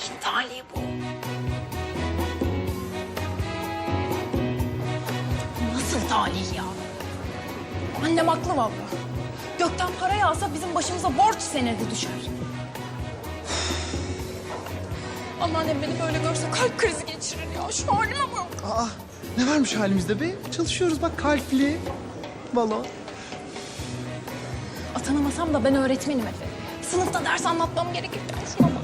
Kimin talihi bu? Nasıl talih ya? Annem haklı vallahi. Gökten para yağsa bizim başımıza borç senedi düşer. Anneannem beni böyle görse kalp krizi geçirir ya. Şu halime bak. Aa, ne varmış halimizde be? Çalışıyoruz bak, kalpli. Balon. Atanamasam da ben öğretmenim Efe. Sınıfta ders anlatmam gerekirken şuna bak.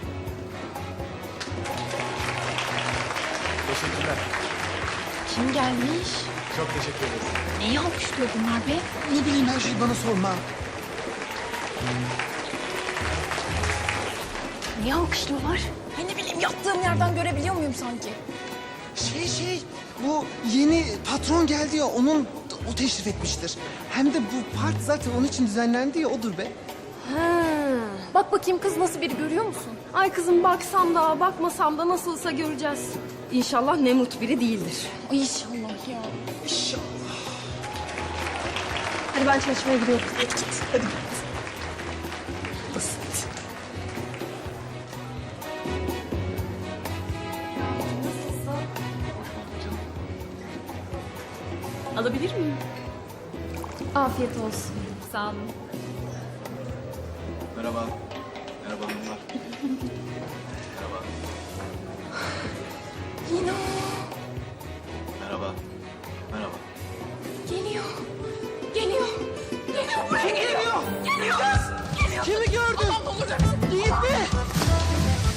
Teşekkürler. Kim gelmiş? Çok teşekkür ederim. Neyi alkışlıyor bunlar be? Ne bileyim, her şeyi bana sorma. Niye alkışlıyorlar? Ay ne bileyim, yattığım yerden görebiliyor muyum sanki? Bu yeni patron geldi ya, o teşrif etmiştir. Hem de bu part zaten onun için düzenlendi ya, odur be. Bak bakayım kız nasıl biri, görüyor musun? Ay kızım, baksam da bakmasam da nasılsa göreceğiz. İnşallah Nemrut biri değildir. Ay inşallah ya. İnşallah. Hadi ben çalışmaya gidiyorum. Hadi git, hadi git. Basit. Alabilir miyim? Afiyet olsun. Sağ olun. Merhaba. Merhaba hanımlar. Merhaba. Yine o. Merhaba. Merhaba. Geliyor. Geliyor. Geliyor, buraya geliyor. Geliyor. Geliyor. Kimi gördün? Aman ne olur. Yiğit mi?